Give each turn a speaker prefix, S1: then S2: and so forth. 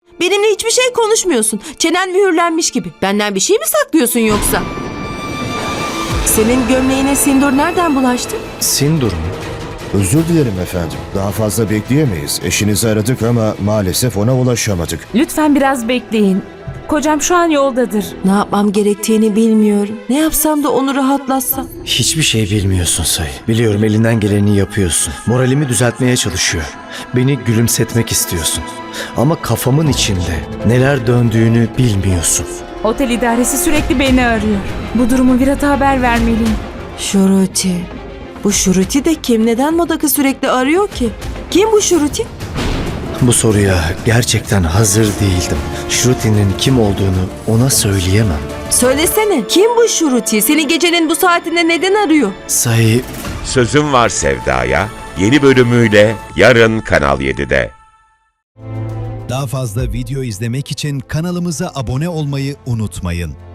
S1: Benimle hiçbir şey konuşmuyorsun. Çenen mühürlenmiş gibi. Benden bir şey mi saklıyorsun yoksa? Senin gömleğine sindur nereden bulaştı?
S2: Sindur mu?
S3: Özür dilerim efendim. Daha fazla bekleyemeyiz. Eşinizi aradık ama maalesef ona ulaşamadık.
S4: Lütfen biraz bekleyin. Kocam şu an yoldadır.
S1: Ne yapmam gerektiğini bilmiyorum. Ne yapsam da onu rahatlatsam.
S2: Hiçbir şey bilmiyorsun Sayı. Biliyorum elinden geleni yapıyorsun. Moralimi düzeltmeye çalışıyor. Beni gülümsetmek istiyorsun. Ama kafamın içinde neler döndüğünü bilmiyorsun.
S4: Otel idaresi sürekli beni arıyor. Bu durumu Virat'a haber vermeliyim.
S1: Şuruti. Bu Şuruti de kim? Neden Modak'ı sürekli arıyor ki? Kim bu Şuruti?
S2: Bu soruya gerçekten hazır değildim. Shruti'nin kim olduğunu ona söyleyemem.
S1: Söylesene. Kim bu Şuruti? Seni gecenin bu saatinde neden arıyor?
S2: Sayı,
S5: Sözüm Var Sevda'ya yeni bölümüyle yarın Kanal 7'de.
S6: Daha fazla video izlemek için kanalımıza abone olmayı unutmayın.